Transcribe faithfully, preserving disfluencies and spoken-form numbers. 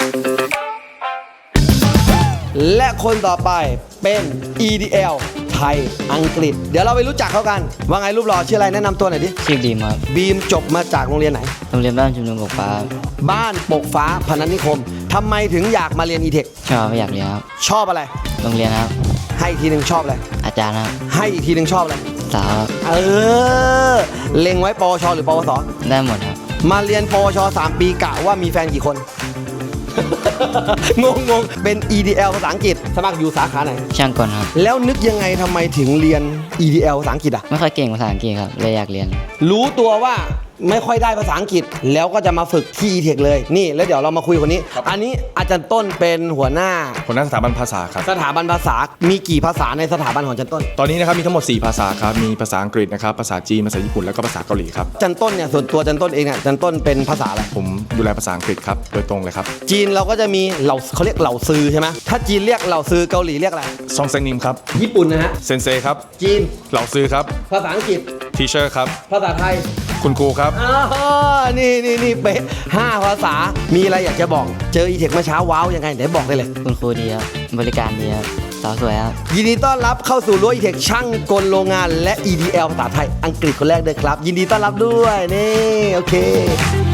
และคนต่อไปเป็น อี ดี แอล ไทยอังกฤษเดี๋ยวเราไปรู้จักเขากันว่าไงรูปหล่อชื่ออะไรแนะนำตัวหน่อยดิชื่อดีมครับบีมจบมาจากโรงเรียนไหนโรงเรียนบ้านชุมนุมบกฟ้าบ้านปกฟ้าพนัสนิคมทำไมถึงอยากมาเรียน อี เทคชอบไม่อยากเรียนครับชอบอะไรโรงเรียนครับให้อีกทีหนึ่งชอบอะไรอาจารย์ครับให้อีกทีหนึ่งชอบอะไรสาวครับเออเล็งไว้ปวชหรือปวสได้หมดครับมาเรียนปวชสามปีกะว่ามีแฟนกี่คน งงงงเป็น อี ดี แอล ภาษาอังกฤษสมัครอยู่สาขาไหนช่างกลครับแล้วนึกยังไงทำไมถึงเรียน อี ดี แอล ภาษาอังกฤษอ่ะไม่ค่อยเก่งภาษาอังกฤษครับเลยอยากเรียนรู้ตัวว่าไม่ค่อยได้ภาษาอังกฤษแล้วก็จะมาฝึกที่ อี เทค เลยนี่แล้วเดี๋ยวเรามาคุยคนนี้ อันนี้อาจารย์ต้นเป็นหัวหน้าหัวหน้าสถาบันภาษาครับสถาบันภาษามีกี่ภาษาในสถาบันของอาจารย์ต้นตอนนี้นะครับมีทั้งหมดสี่ภาษาครับมีภาษาอังกฤษนะครับภาษาจีนภาษาญี่ปุ่นแล้วก็ภาษาเกาหลีครับอาจารย์ต้นเนี่ยส่วนตัวอาจารย์ต้นเองเนี่ยอาจารย์ต้นเป็นภาษาอะไรผมดูแลภาษาอังกฤษครับโดยตรงเลยครับจีนเราก็จะมีเหล่าเขาเรียกเหล่าซือใช่ไหมถ้าจีนเรียกเหล่าซือเกาหลีเรียกอะไรซองเซงนิมครับญี่ปุ่นนะฮะเซนเซครับจีนเหล่าซื้อครับภาษาอังกฤษทีเชอร์ครับภาษาไทยคุณครูครับอ๋อนี่นี่นี่เป๊ะห้าภาษามีอะไรอยากจะบอกเจอ อี เทค เมื่อเช้าว้าวยังไงไหนบอกได้เลยคุณครูดีครับบริการดีครับสาวสวยครับยินดีต้อนรับเข้าสู่รั้ว อี เทค ช่างกลโรงงานและ อี ดี แอล ภาษาไทยอังกฤษคนแรกด้วยครับ ยินดีต้อนรับด้วยนี่โอเค